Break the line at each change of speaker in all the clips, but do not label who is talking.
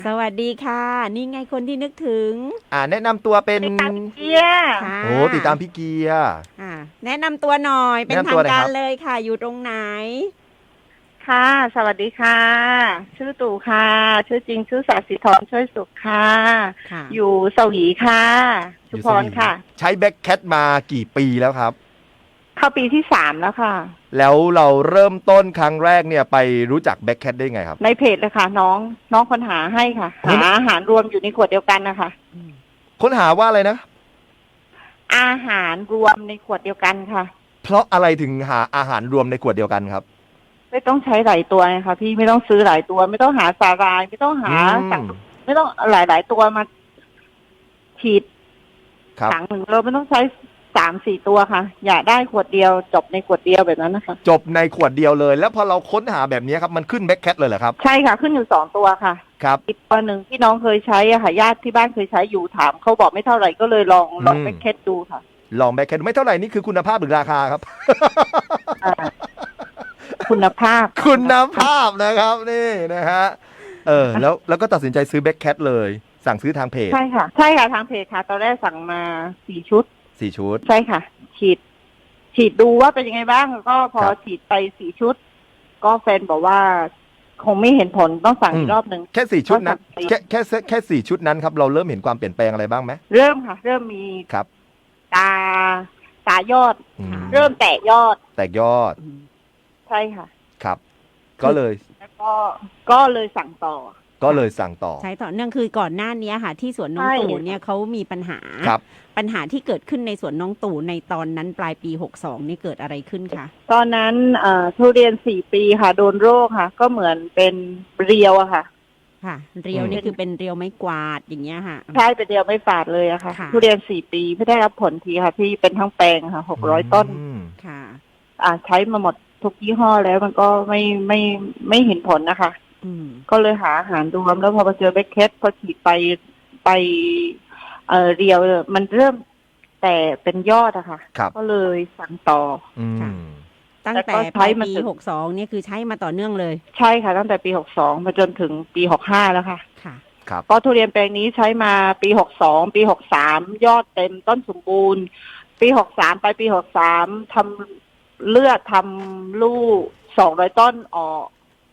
สวัสดีค่ะ นี่ไงคนที่นึกถึง
แนะนำตัวเป็น
ติดตามเกียร์
ค่ะ
โอ้ติดตามพี่เกียร์
แนะนำตัวหน่อยเป็น
แนะนำ
ทา
ตัว
งกา
หน่อยครับ
รเลยค่ะ อยู่ตรงไหน
ค่ะสวัสดีค่ะ ชื่อตู่ค่ะ ชื่อจริงชื่อศศิธรช่วยสุขค่ะ
ค่ะ
อยู่สวีค่ะชุมพรค่ะ
ใช้แบ็คแคทมากี่ปีแล้วครับ
เข้าปีที่3แล้วค่ะ
แล้วเราเริ่มต้นครั้งแรกเนี่ยไปรู้จักแบ็คแคทได้ไงครับ
ในเพจเลยค่ะ น้องคนหาให้ค่ะ
โอ้
หาอาหารรวมอยู่ในขวดเดียวกันนะคะ
ค้นหาว่าอะไรนะ
อาหารรวมในขวดเดียวกันค่ะ
เพราะอะไรถึงหาอาหารรวมในขวดเดียวกันครับ
ไม่ต้องใช้หลายตัวนะคะพี่ไม่ต้องซื้อหลายตัว ไม่ต้องหาสาหร่าย ไม่ต้องหา
อืม
สั่งไม่ต้องหลายตัวมาฉีด
ครับ
ถังหนึ่งเราไม่ต้องใช้3-4ตัวค่ะ อย่าได้ขวดเดียวจบในขวดเดียวแบบนั้นนะคะ
จบในขวดเดียวเลย แล้วพอเราค้นหาแบบนี้ครับมันขึ้นแบ็คแคทเลยเหรอครับ
ใช่ค่ะ ขึ้นอยู่2ตัวค่ะ
ครับ
อีกตัวหนึ่งที่น้องเคยใช้อะค่ะญาติที่บ้านเคยใช้อยู่ถามเขาบอกไม่เท่าไหร่ก็เลยลอง
อืม
ไปเค็ดดูค่ะ
ลองแบ็คแคทไม่เท่าไหร่นี่คือคุณภาพหรือราคาครับ
อ่าคุณภาพ
คุณภาพนะครับนี่นะฮะแล้วก็ตัดสินใจซื้อแบ็คแคทเลย สั่งซื้อทางเพจ
ใช่ค่ะ ใช่ค่ะทางเพจค่ะ ตอนแรกสั่งมา4 ชุด
4 ชุด
ใช่ค่ะ ฉีดดูว่าเป็นยังไงบ้างแล้วก็พอ
ครับ
ฉีดไป4 ชุด ก็แฟนบอกว่า คงไม่เห็นผลต้องสั่งอีกรอบหนึ่ง
แค่4 ชุดนั้น
ก็สั่งไป
แค่4 ชุดนั้นครับเราเริ่มเห็นความเปลี่ยนแปลงอะไรบ้างไหม
เริ่มค่ะ เริ่มมี
ครับ
ตายอด
อืม
เริ่มแตกยอด
แตกยอด
ใช่ค่ะ
ครับ ก็เลย
แล้วก็เลยสั่งต่อ
สั่งต่อ
ใช้ต่อเนื่องคือก่อนหน้านี้ค่ะ ที่สวนน้อง
ใช่
ตู่เนี่ยเขามีปัญหา
ครับ
ปัญหาที่เกิดขึ้นในสวนน้องตู่ในตอนนั้นปลายปี 62นี่เกิดอะไรขึ้นคะ
ตอนนั้นทุเรียน4 ปีค่ะ โดนโรคค่ะ ก็เหมือนเป็นเรียวอะค่ะ
ค่ะ เรียวนี่คือเป็นเรียวไม้กวาดอย่างเงี้ยค่ะ
ใช่เป็นเรียวไม่ฝาดเลยอะค่ะ
ค่ะ
ทุเรียน4 ปีไม่ได้รับผลทีค่ะที่เป็นทั้งแปลงค่ะ600 ต้น
อืม
ค่ะ
ใช้มาหมดทุกยี่ห้อแล้วมันก็ไม่เห็นผลนะคะ
อืม
ก็เลยหาอาหารรวมแล้วพอมาเจอแบ็คเคทพอฉีดไปเรียวมันเริ่มแต่เป็นยอดอะค่ะ
ครับ
ก็เลยสั่งต่อ
อื
ค่ะ
ม
ตั้ง
แล้วก็
แต่
ใช้
ปลาย
มา
ปี
ถึง
62เนี่ยคือใช้มาต่อเนื่องเลย
ใช่ค่ะตั้งแต่ปี62มาจนถึงปี65แล้วค่ะ
ค่ะ
ครับ
ก็ทุเรียนแปลงนี้ใช้มาปี62ปี63ยอดเต็มต้นสมบูรณ์ ปี63ไปปี63ทำเลือดทำลูก200 ต้นออก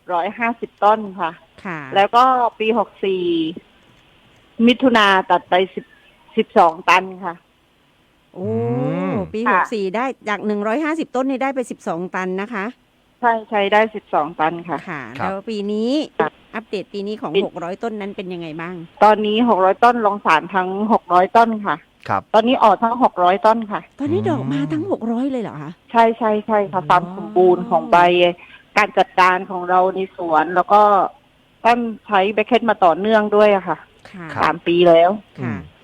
150 ต้นค่ะ
ค่ะ
แล้วก็ปี64มิถุนาตัดไป12 ตันค่ะ
โอ้ ปี
ค่ะ
64ได้จาก150 ต้นนี่ได้ไป12 ตันนะคะ
ใช้ได้12 ตันค่ะ
ค่ะ
ครับ
แล้วปีนี้
ค่ะ
อัปเดตปีนี้ของ
ปี
600 ต้นนั้นเป็นยังไงบ้าง
ตอนนี้600 ต้นลงสารทั้ง600 ต้นค่ะ
ครับ
ตอนนี้ออกทั้ง600 ต้นค่ะ
ตอนนี้
อืม
ดอกมาทั้ง600เลยเหรอคะ
ใช่ค่ะความสมบูรณ์ของใบการจัดการของเราในสวน แล้วก็ท่านใช้แบคเคทมาต่อเนื่องด้วยอะค่ะ
ค่ะ
ครับ
3 ปีแล้ว
ค่ะ